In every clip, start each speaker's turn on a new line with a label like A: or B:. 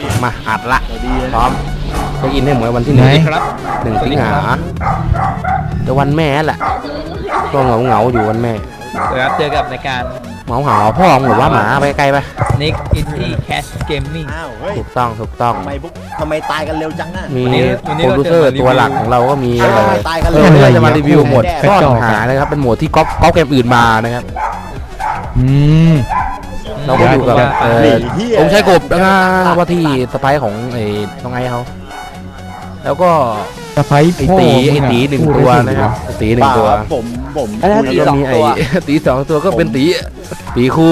A: มาอัดละพร้อมจะอินให้เหมือนวันที่1
B: ครับ
A: 1 สิงหาแต่วันแม่แหละก็เหงาอยู่วันแม่
B: ครับเจอกับรายการ
A: เหาพ่อหรือว่าหมาไปไกลไป
B: Nick Indie Cash Gaming
C: อ้าวเฮ้ย
A: ถูกต้อง
C: ทำไมตายกันเร็วจังน่ะ
A: มี
B: วันนี้
A: โปรดิวเซอร์
B: เราจะมารีวิว
A: ตัวหลักของเราก็มี
C: ตายกัน
A: เอ
C: เร็ว
A: อเราจะมารีวิวโหมด
C: แน่
A: ซ่อนหานะครับเป็นโหมดที่ก๊อปเกมอื่นมานะครับ
D: อืม
A: เราก็อยู่กับ
C: เหี้ย
A: องค์ชายกบนะครับว่าที่สไปของไอ้น้องไอ้เขาแล้วก็
D: สะพ้าย
A: ไอ้
D: พ่อ
A: ตี
D: มึงอะ
A: หนึ่งตัวนะครับไอ้ตีหนึ่งตัว
C: ผม
A: แล้วก็มีไอ้ตี2 ตัวก็เป็นตีคู่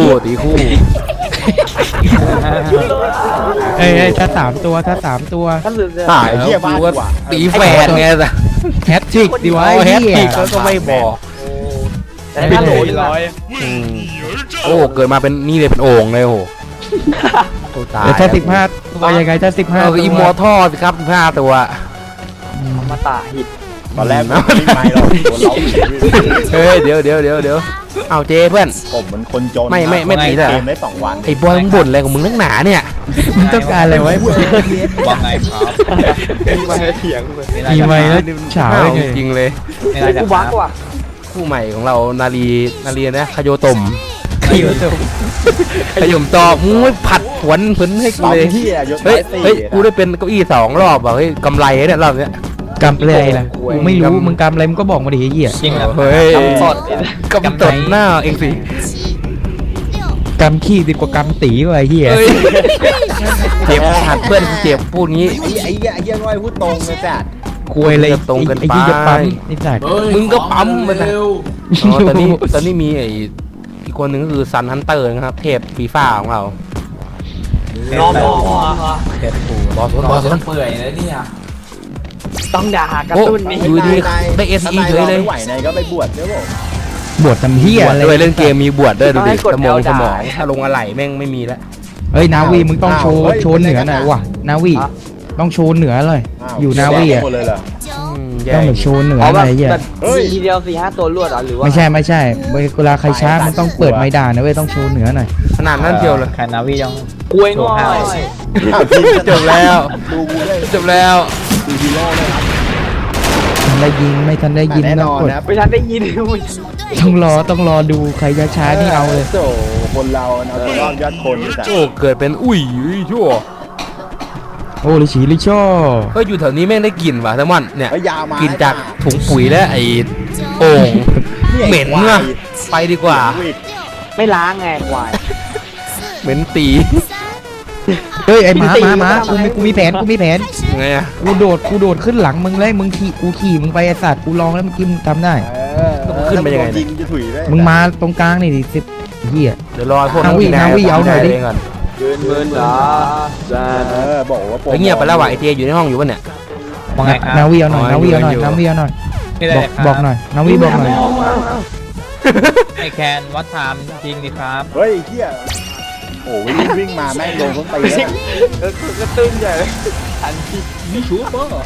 D: เอ้ยถ้า3 ตัวถ้า3 ตัว
C: หายเหี้ยบ้ากว่า
A: ตีแฝดไงแต่
D: แฮตทริกดีวะ
A: แฮต
D: เหี้
A: ทริ
D: ย
A: กก็ไม่บอก
B: เป็นโหลร้อย
A: โอ้เกิดมาเป็นนี่เลยเป็นโอ่งเลยโอ้โหตาย
D: แล้วถ้า15 ตัวยังไงถ้า15
A: เรา
D: ตัว
A: อิมมอร์ทัลสิครับ15 ตัว
B: มาตาหิด
C: ตอนแรกไม่ไม่หรอกโดนเรา
A: เฮ้ยเดี๋ยวเอาเจเพื่อน
C: ผมมันคนจน
A: ไม่ตีเลย
C: เกมได้2 วัน
A: ไอ้บอยมึงบ่นอะไรของมึงนักหนาเนี่ย
D: มึงต้องการอะไรไว้
B: ว่าไงครับ
C: มาเถียงเลย
D: มีไหมแล้วฉา
A: อ้าว
D: ไง
A: จริงเลย
B: ไม่ได้ครับ
A: คู่ใหม่ของเรานาลีนะคาโยตม
D: คิวตัว
A: ขยมตอบมึงไม่ผัดผวนผลให้กู
C: ตอน
A: เลย
C: ที่ยศ
A: เฮ้ย
C: ตี
A: กูได้เป็นเก้าอี้2 รอบอ่ะเฮ้ยกำไรเนี่ยรอบเนี้ย
D: กำอะไรล่ะกูไม่รู้มึงกำอะไรมึงก็บอกมาดิไอ้เหี้ย
B: จริงครับ
A: เฮ้ย
B: กำสด
A: กำตดหน้าเองสิ
D: กำขี้ดีกว่ากำตีว่ะไอ้เหี้ย
A: เฮ้ยเจ็บหัดเพื่อนเจ็บพูดงี้
C: ไอ้เหี้ยน้อยพูดตรงเลยจัด
D: คุยอะไร
A: ตรงเกินไป
D: ไอ้เหี้ยจะปั๊มไอ้สัตว์
A: มึงก็ปั๊มไปนะอ๋อตอนนี้มีไอ้อีกคนหนึ่งก็คือซันฮันเตอร์นะครับเทพฟีฟ่าของเรา
B: รอบ
A: เทพปูบอส
B: เปื่อยแล้วเนี่ยต้องด่ากระ
A: โอ้
B: ตุ้นนี่
A: อยู่ดีได้SE เฉยเลย
C: ไม่ไหวไหนก็ไปบวชเดี๋ยวผม
D: บวชทำเหี้ย
A: บวช
D: อะไร
A: ด้วยเล่นเกมมีบวชด้วยดูดิสมองถ้าลงอะไรแม่งไม่มีแล้ว
D: เฮ้ยนาวีมึงต้องโชว์เหนือหน่อยว่ะนาวีต้องโชว์เหนือเลย อยู่นาวีอ่ะ
C: หมดเลยเหรอ
D: ต้องแบบโชว์เหนืออะไรเหี้ย
C: เฮ้ย
B: ทีเดียว4-5 ตัวรวดหรือว่า
D: ไม่ใช่เวลาใครช้ามันต้องเปิดไม้ด่านะเว้ยต้องโชว์เหนือหน่อย
A: ขนาดนั้นเชียวเลย
B: แคนนาวียังกล้วยง่อย
A: จบแล้ว
C: ดูกูได้
A: จบแล้ว
C: ดูฮีโร่เลยครับ
D: ทันได้ยิงไม่ทันได้ยิน
C: แน่น
D: ต้อง
C: อน
D: กด
C: นะ
B: ไม่ทันได้ยิน
D: ต้องรอดูใครช้าๆนี่เอาเลย
C: โอ้คนเราเอาตัวรอดยอดคนจัด
A: โอ้เกิดเป็นอุ้ยชั่ว
D: โอ้ลิฉีลิช่อ
A: ก็อยู่แถวนี้แม่งได้กลิ่นว่ะทั้งวันเนี่ย
C: เฮ้ยยาวมา
A: กินจากถุงปุ๋ยและไอ้โอ่งเหม็นเนอะไปดีกว่า
B: ไม่ล้างไงควาย
A: เหม็นตี
D: เฮ้ยไอ้หมากูมีแผน
A: ไงอะ
D: กูโดดขึ้นหลังมึงเลยมึงขี่มึงไปไอ้สัตว์กูลองแล้วเมื่อกี้มึงทำได้
C: ยิงจะถุยได้
D: มึงมาตรงกลางนี่ดิ10 เหี้ย
A: เดี๋ยวรอพวก
D: นาวิเอาหน่อยดิ
A: ก่อน
B: เบิร์นเหรอ
C: บอกว่า
A: เฮ้ยเงียบไปแล้วว่ะไอเจอยู่ในห้องอยู่ปะเนี่ย
B: ว่าไงครับ
D: นาวีเอาหน่อย
A: อ๋อ
D: นาวีเอาหน่อย
A: อยู่
D: นาวีเอาหน่อย
B: ไม่ได้ครับ
D: บอกหน่อยนาวีบอกหน่อย
B: ไอแคนวัดไทม์จริงดิครับ
C: เฮ้ยเฮียโอ้วิ่งมาแม่งโดนเขาตีแล้ว
B: ก็ตื้นใหญ่เลยทันทีนี่ชัวร์ป่ะ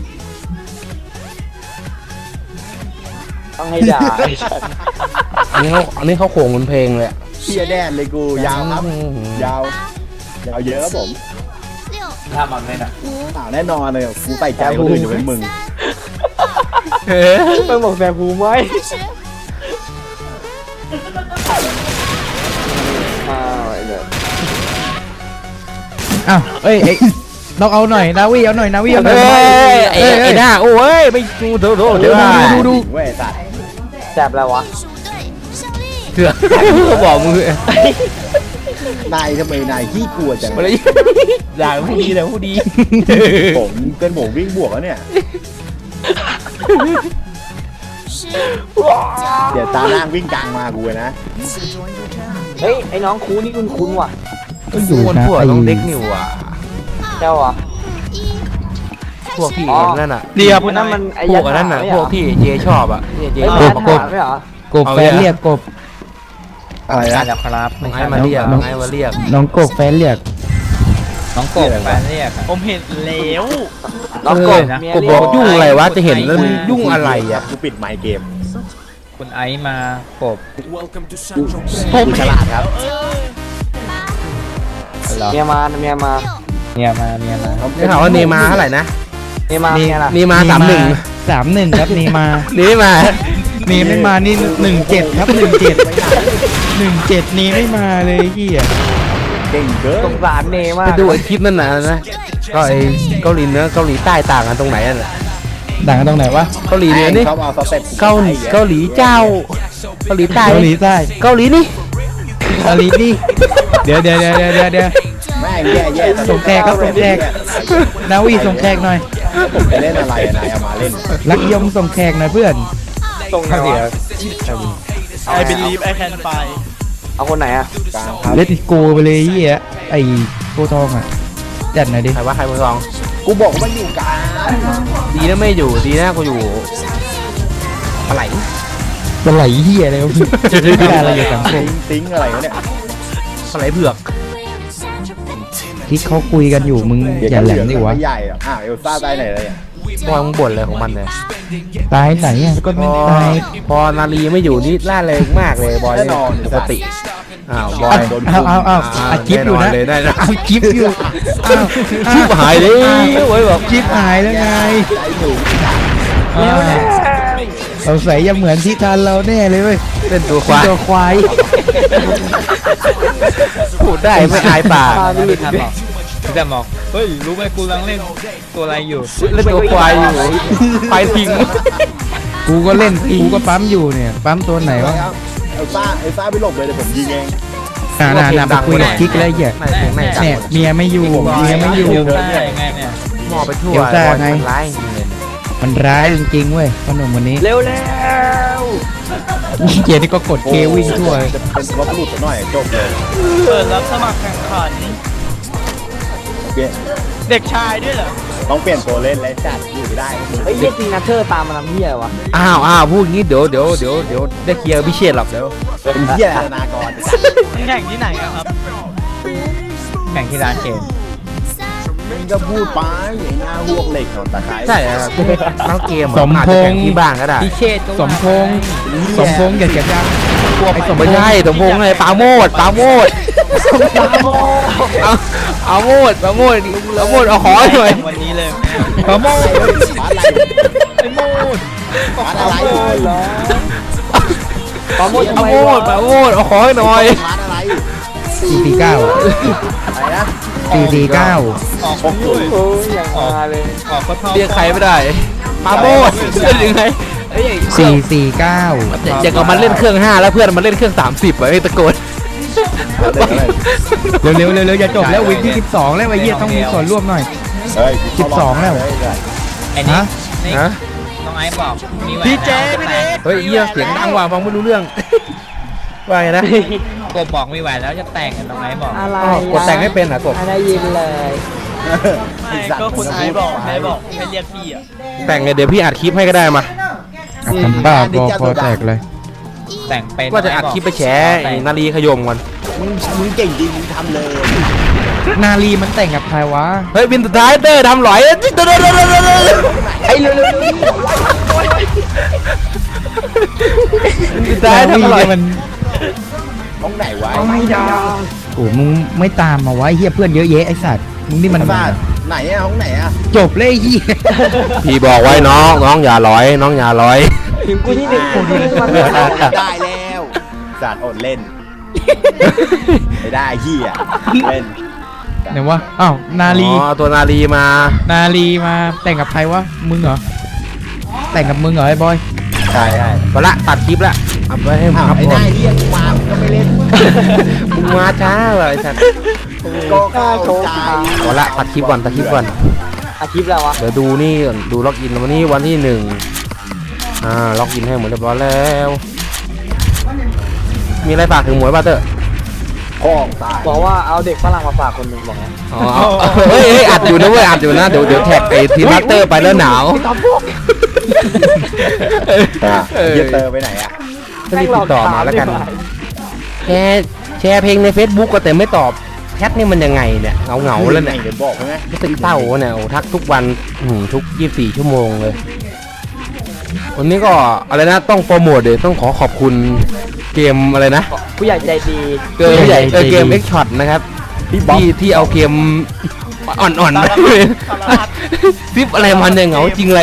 B: ต้องให้ด่า
A: อันนี้เขาโขงบนเพลงเลยอะ
C: เฮียแดนเลยกูยาวครับยาวเยอะครับผม
B: ถ้ามันไม่นะ
C: แน่นอนเลยกูใส่ใจคนอื่นอยู่เป็นมึง
A: เฮ้ย
B: ต้องบอกแต่ภูมิไว้
D: อ้าวเอ้ยต้องเอาหน่อยนาวีเอาหน่อยนาวีเอาหน่อย
A: ไอ้หน้าโอ้ยไม่ดูเดี๋ยว
D: ดู
C: เว้ยสัตว์
B: แสบแล้ววะ
A: เถื่อเขาบอกมึง
C: นายทำไมนายขี้กลัวจัง
A: มาเลยด่าผู้ดีแต่ผู้ดี
C: ผมเป็นผมวิ่งบวกแล้วเนี่ยเดี๋ยวตาล่างวิ่งกลางมากูนะ
B: เฮ้ยไอ้น้องคูนี่คุ้นว่ะ
D: ก็อยู่
A: คน
D: นะ
A: พวก
D: ไอ้
A: ต้องเด็กนิวอ่ะ
B: เจ้าอ่ะ
A: พวกที่นั่นอ่ะ
B: เดียวนั่นมันไอ้
A: พวกนั้นอ่ะพวกที่เจชอบอ่ะเจ
B: ไอ้
A: ช
B: ยั
A: อบ
B: กษ์ไม่เหรอก
D: บแฟนเรียกกบ
C: อะไร
B: กา
C: นะ
B: รครับ
A: น้องไอ้มาเรียกน้องไอ้มาเรียก
D: น้องกบแฟนเรียก
B: น้องกบแฟนเรียกผมเห็นแล้ว
A: น้องกบกบบอกยุ่งอะไรวะจะเห็นแล้วยุ่งอะไรอ่ะ
C: กูปิดไมค์เกม
B: คุณไอซ์มากบ
C: กูฉลาดครับ
B: เมียมาเนี่ยมา
A: ได้ข่าวว่าเนมาร์เท่าไหร่นะ
B: นี่มาเนี่ยล่ะ
A: เนมาร์31
D: 31ครับนีมา
A: นี่มา
D: นีไม่มานี่17ครับ17นีไม่มาเลยเฮีย
C: เก่งเกิ
B: ส
C: น
B: งสารเนมา
A: ไป
B: ก
A: ดูไอ้คลิปนั่นนะก็ไอ้เกาหลีเหนือเกาหลีใต้ต่างกันตรงไหนอ่ะ
D: ดังกันตรงไหนวะ
A: เกาหลีเหนือนี่
C: เขาเอาสเต็ป
A: เกาหลีเจ้าเกาหลีใต้
D: เกาหลีใต้
A: เกาหลีนี่
D: เกาหลีนี่เดี๋ยว
C: แม่งแย่ๆ
D: ส่งแขกครับส่งแขก นาวีส่งแขกหน่อย
C: ผมไปเล่นอะไรอะนายเอามาเล่น
D: รักยมส่งแขกหน่อยเพื่อน
B: ตรงไหนวะ
E: I believe I can fly
B: เอาคนไหนอ่ะ
C: กลางครับ
D: เลติโกไปเลยเฮียไอ้โคทองอ่ะจัดหน่อยดิ
A: ใครว่าใครมือสอง
C: กูบอกว่าอยู่กลาง
A: ดีนะไม่อยู่ดีนะกูอยู่อะไร
D: เป็นไหลเฮียอะไรวะพี่ไม่ได้อะไรอยู่สังคม
C: ติ้งอะไรวะเนี่ย
A: อะไรเผือก
D: ที่เขาคุยกันอยู่มึงอย่าแหลมดิวะ
C: ไม่ใหญ่หรอกเอลซ่าได้ไหนเลยอะ
A: บอยมึงบ่นอะไรของมันเลย
D: ตายไหนอ่ะก็
A: พ
D: ไม่
A: อ
D: ตาย
A: พอนาลีไม่อยู่นี่ล่าเริงมากเลยบอย
C: แน่นอน
A: ปกติอ้าวบอย
D: เอาอัดคลิปอยู่นะ
A: แเลยได้นะ
D: เอาคลิปอยู่อ้าว
A: ชิบหายเลยโอ้ยบอก
D: คลิปหายแล้วไง
C: ใจหนู
D: เราใส่ยังเหมือนที่ทันเราแน่เลยเว้ย
A: เล่นตัวควาย
D: ตัวควาย
A: พูดได้ไม่อายปาก
B: ไม่ทันหรอกพี่แต่บอกเฮ้ยรู้ไหมกูกำลังเล่นตัวอะไรอยู่
A: เล่นตัวควายอยู่ไปทิ้ง
D: กูก็เล่นกูก็ปั๊มอยู่เนี่ยปั๊มตัวไหนวะ
C: เอลซ่าไปหลบเลยเดี๋ยวผมยิงเอง
D: น่าไปคุยกับคิกแล้วเหี้ย
A: ในเพลงในจัง
D: เนี่ยเมียไม่อยู่เมียไม่อยู่
B: เดี๋ยวได้ไงเนี่ย
A: หมอไปทั่ว
D: เดี๋ยวจ้าไง
A: มันร้ายจริงเลย
D: มันร้ายจริงๆเว้ยขนมวันนี้
B: เร็ว
D: เจนี่ก็กดเควิ่งทั่ว
C: จะเป็นรถหลุดหน่อยจบเลย
E: เปิดรับสมัครแข่งขัน
C: เปลี่ยน
E: เด็กชายด้วยเหรอ
C: ต้องเปลี่ยนตัวเล่นแล้วจัดอยู่ไม่ได้
B: เฮ้ยเหี้ยตีนาเธอร์ตามมาทำเหี้ยวะ
A: อ้าวพูดงี้เดี๋ยวได้เคลียร์กับพิเชษหรอกเดี๋ยว
C: เป็นเหี้ยธนากร
E: แข่งที่ไหนกันครับ
B: แข่งที่ร้านเกม
C: มึงก็พูดไปไอ้หน้าพวกเหล็กหนอนตะไคร้
A: ใช่ครับทั้งเกมอะ
D: สม
A: อาจ
D: พ
A: จะ
D: ง
A: แข่ง
D: ษ์
A: ที่บ้านก็ได้
B: พี่เชษก็
D: สมพงษ์อย่าเสียงดังไอ้สมพ
A: ไม่
D: งษ์
A: ใช่สมพงษ์ไงปาโมดเอาโมดเอาขอหน่อย
E: วันนี้เลย
D: ปาโมด
C: บ้านอะไร
E: ไอ้มูด
C: บ้านอะไร
B: ปาโมด
A: เอาโมดเอาขอให้หน่อย
C: บ้านอะไร
D: 449
C: อะไรนะ
D: 449
E: ออกของด้วย
B: เอออย่างมาเลย
E: ออกก็เท่า
A: เรียกใครไม่ได้ปาโมดเป็นยังไงเอ้ย
D: 449
A: อย่างกับมันเล่นเครื่อง5แล้วเพื่อนมันเล่นเครื่อง30อ่ะไอ้ตะโกน
D: เร็วอย่าจบแล้ววิกที่12แล้วไอ้เหี้ยต้องมีส่วนร่วมหน่อย
C: เฮ้ย
D: 12แล้ว
B: ไอ้นี่
D: ฮะ
B: นี่
A: ฮะ
B: น้องไอ้บอกมีแหวน
E: พี่เจพี่เจ
A: เฮ้ยเหี้ยเสียงดังว่ะฟังไม่รู้เรื่องว่าไงนะ
B: กบบอกมีแหวนแล้วจะแต่งกันน้องไอ้บอก
F: อะไร
A: อ๋อกดแต่งให้เป็นอ่ะกบ
F: ไม่ได้ยินเลย
E: ไม่ก็คุณไอ้บอกให้เรียกพี่อ่ะ
A: แต่งไงเดี๋ยวพี่อัดคลิปให้ก็ได้มา
D: ทำบ้าพอแตกเลย
B: แต่งเป็น
A: ว่าจะอัดคลิปไปแฉไอ้นาลีขยมก่อน
C: มึงเก่งจริงมึงทำเลย
D: นาลีมันแต่งกับใครวะ
A: เฮ้ยบินสุดท้ายเตอร์ทำหลอยไอ้เร็วสุดท้าย
D: นาลี
A: ทำหลอย
D: เนี่ยมัน
C: ตรงไหนวะ
D: โอ้มึงไม่ตามมาไว้เฮียเพื่อนเยอะแยะไอ้สัตว์มึงนี่มัน
C: บ้านไหนอะห้องไหนอะ
D: จบเลยไอ้เฮีย
A: พี่บอกไว้น้องอย่าร้อยน้องอย่าร้อย
F: ถึงกูที่หนึ่งมัน
C: ได้แล้วจัดอดเล่นไม่ได้เหี้ยเล่น
D: ไหนวะอ้าวนาลี
A: อ๋อตัวนาลีมา
D: นาลีมาแต่งกับใครวะมึงเหรอแต่งกับมึงเหรอไอ้บอย
C: ใช่
A: ไปละตัดคลิปละเอาไปให้
C: อ้าว
A: ครับ
C: ไอ้
A: ผม
C: ได้เหี้ยกูมามึงก็ไม่เล่น
A: มึงมาช้าเลยสัตว์
C: ก็เข้าใจ
A: เอาละตัดคลิปก่อน
F: อาชีพแล้ววะ
A: เดี๋ยวดูนี่ก่อนดูล็อกอินวันนี้วันที่1ล็อกอินให้หมดเรียบร้อยแล้ว มีอะไรฝากถึงหมวยบ้าเตอร์
C: พ้องตาย
F: บอกว่าเอาเด็กฝรั่งมาฝากคนหนึ่งบอกไง
A: อ๋อเฮ้ยอัดอยู่นะเว้ยอัดอยู่นะเดี๋ยวแท็กไอ้ทีมบัตเตอร์ไปแล้วหนาว
C: เหี้ยเตอร์ไปไหนอะ
A: ก็รีบติดต่อมาแล้วกันแชร์เพลงใน Facebook ก็แต่ไม่ตอบแชทนี่มันยังไงเนี่ยเหงาแล้วเนี่ย
C: เดี๋ยวบอกไง
A: รู้สึกเศร้าเนี่ยโอ้ทักทุกวันทุก24ชั่วโมงเลยวันนี้ก็อะไรนะต้องโปรโมทเดี๋ยวต้องขอขอบคุณเกมอะไรนะ
F: ผู้ใหญ่ใจดี
A: เกมเกม X Shot นะครับที่เอาเกมอ่อนๆนะซิปอะไรมันเนี่ยเหงาจริงเลย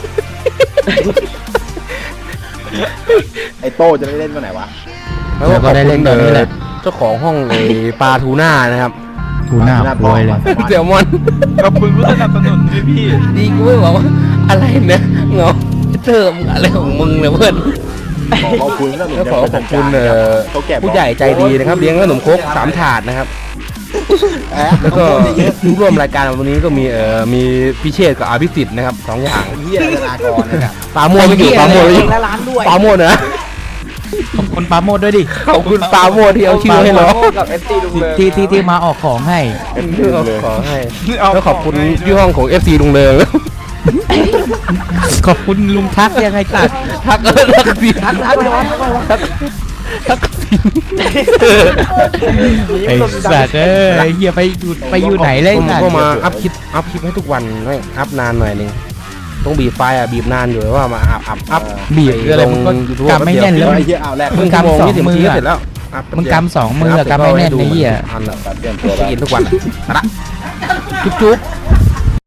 C: ไอ้โต้จะได้เล่นวันไหนวะ
A: แล้วก็ได้เล่นเจ้าของห้องไอ้ปลาทูน่านะครับ
D: กูหน้าโวยเลย
A: เสี่ยวมอน
E: ขอบคุณผู้สนับสนุนด้วยพี่
A: ดีกูไม่บอกว่าอะไรนะเหงาเติมอะไรของมึงเนี่ยเพื่อน
C: ขอบคุณสนับสนุน
A: แล้วขอขอบคุณ
C: เขาแก่
A: ผู้ใหญ่ใจดีนะครับเลี้ยงขนมครก3 ถาดนะครับ แล้วก็
C: เยอะ
A: ผู้ร่วมรายการวันนี้ก็มีพิเชษกับอภิสิทธิ์นะครับ2 อย่าง
C: เฮียธนากรนะครับ
A: ปาโมดไม่อยู่ปาโมดไม่อยู่
F: และร้านด้วย
A: ปาโมดนะ
D: ขอบคุณปาโมดด้วยดิ
A: ขอบคุณปาโมดที่เอาชื่อให้เรา
F: กับ FC ลุงเลย
D: ที่มาออกของให้
A: ขอให้แล้วขอบคุณที่ห้องของ FC ลุงเริง
D: ขอบคุณลุงทักยังไงตัด
A: ทักสิทัก
D: ไอ้สัตว์เฮียไปอยู่ไหนเล่น
A: ผม
D: กัน
A: ก็มาอัพคลิปให้ทุกวันไม่อัพนานหน่อยนึงต้องบีบไฟบีบนานอยู่ว่ามาอัพ
D: บีบอะไรมึงก็กำไม่แน่นแล้ว
C: ไอ้เฮียเอาแรก
A: มึงกำ2 20 นาทีก็เสร็จแล้ว
D: มึงกำ2 มือกำไม่แน่นไอ้เหี้ย
A: อันกินทุกวันละจุ๊บ